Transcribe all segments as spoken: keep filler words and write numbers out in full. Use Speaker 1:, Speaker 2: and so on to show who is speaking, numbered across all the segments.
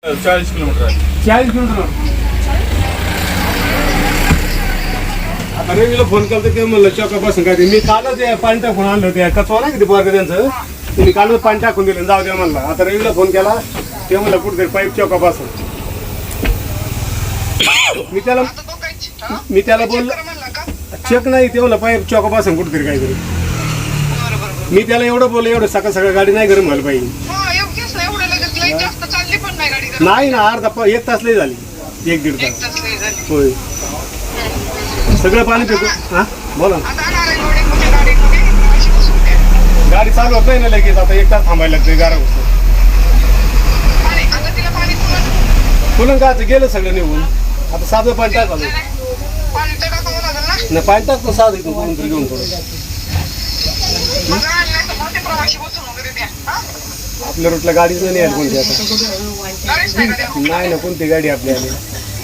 Speaker 1: चाळीस किलोमीटर आहे.
Speaker 2: चाळीस किलोमीटर. आता रेवीला फोन केला तर ते म्हणलं चौकापासून काय ते मी कालच ते पाणी टाकून आणलं ते कचवा नाही किती पोरग त्यांचं मी कालच पाणी टाकून दिलं जाऊ द्या म्हणलं. आता रेवीला फोन केला ते म्हणलं कुठेतरी पाईप चौकापासून. मी त्याला मी त्याला बोललो चेक नाही ते म्हणलं पाईप चौकापासून कुठेतरी काहीतरी. मी त्याला एवढं बोललो एवढं सकाळ सकाळ गाडी नाही गरम व्हायला पाहिजे. नाही ना अर्धा एक तास लई झाली एक दीड तास होय. सगळं पाणी फेकू हा बोला गाडी चालू होत नाही ना लगेच. आता एक तास थांबायला लागतंय गारा घुसलं फुलं का गेलं सगळं निघून. आता साधं पाणी टाकावं नाही पाणी टाकतो साधं इथून कोणून तरी घेऊन थोडं. आपल्या रूटला गाडीच नाही यायला कोणती आता नाही ना कोणती गाडी आपल्या आली.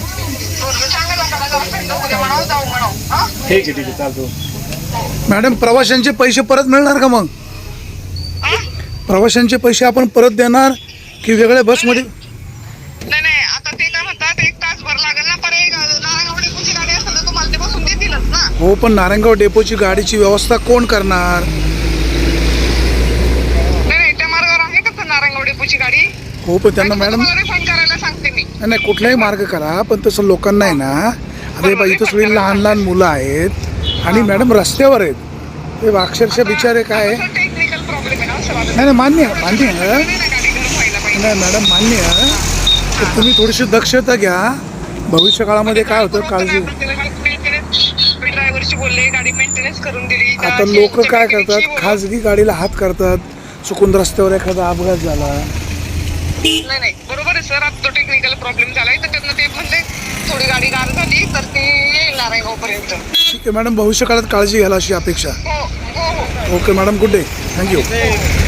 Speaker 2: ठीक आहे ठीक आहे चालतो.
Speaker 3: मॅडम प्रवाशांचे पैसे परत मिळणार का मग? प्रवाशांचे पैसे आपण परत देणार की वेगळ्या बसमध्ये?
Speaker 4: नाही नाही आता ते काय म्हणतात एक तासभर लागेल ना पर एक नारायणगाव डेपोची गाडी असेल तर तुम्हाला ते बसून देतीलच ना.
Speaker 3: हो पण नारायणगाव डेपोची गाडीची व्यवस्था कोण करणार?
Speaker 4: नाही नाही त्या मार्गावर आहे का नारायणगाव डेपोची गाडी?
Speaker 3: हो पण त्यांना मॅडम
Speaker 4: रिफंड करायला सांगते मी.
Speaker 3: नाही कुठलाही मार्ग करा पण तसं लोकांना आहे ना. अरे बा इथं सगळी लहान लहान मुलं आहेत आणि मॅडम रस्त्यावर आहेत ते अक्षरशः बिचारे काय.
Speaker 4: टेक्निकल प्रॉब्लेम आहे ना असं वाटतं.
Speaker 3: नाही नाही मान्य आहे मान्य आहे
Speaker 4: गाडी गरम व्हायला पाहिजे.
Speaker 3: नाही मॅडम मान्य आहे तर तुम्ही थोडीशी दक्षता घ्या. भविष्य काळामध्ये काय होतं काळजी.
Speaker 4: ड्रायव्हरशी बोलले गाडी मेंटेनन्स करून दिली.
Speaker 3: आता लोक काय करतात खाजगी गाडीला हात करतात. चुकून रस्त्यावर एखादा अपघात झाला.
Speaker 4: नाही नाही बरोबर आहे सर. आता तो टेक्निकल प्रॉब्लेम झालाय तर त्यांना ते म्हणले थोडी गाडी गार झाली तर ते येईल नारायणगाव पर्यंत.
Speaker 3: ठीक आहे मॅडम भविष्य काळात काळजी घ्यायला अशी अपेक्षा.
Speaker 4: हो हो हो
Speaker 3: okay madam good day thank you.